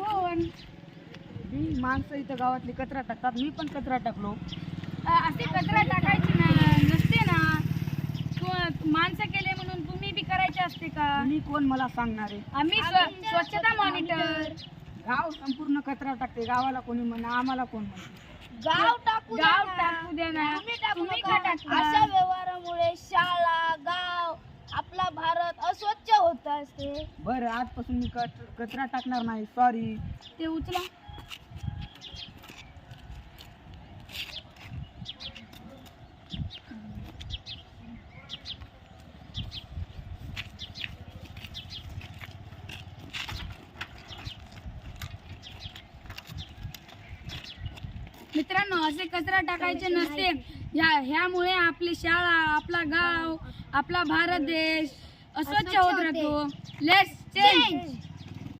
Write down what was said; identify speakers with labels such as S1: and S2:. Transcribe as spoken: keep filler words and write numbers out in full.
S1: कोण?
S2: ही माणसं इथं गावातली कचरा टाकतात, मी पण कचरा टाकलो.
S1: अ, असे कचरा टाकायची ना नसते ना. तू माणसं केले म्हणून तुम्ही बी करायचे असते का?
S2: तुम्ही कोण मला सांगणार आहे?
S1: आम्ही स्व- स्वच्छता मॉनिटर.
S2: गाव संपूर्ण कचरा टाकते, गावाला कोणी म्हणा, आम्हाला कोण म्हणते?
S3: गाव टाकू द्या
S1: गाव
S3: ना.
S1: टाकू द्या ना.
S3: तुम्ही टाकू
S1: तुम्ही
S3: नका.
S1: का टाकता?
S3: अशा व्यवहारामुळे शाळा गाव आपला भारत अस्वच्छ होत असते.
S2: बरं, आजपासून मी कच- कचरा टाकणार नाही, सॉरी.
S1: ते उचला. मित्रांनो, असे कचरा टाकायचे नसते. ह्या ह्यामुळे आपली शाळा, आपला गाव, आपला भारत देश अस्वच्छ होत राहतो. Let's change.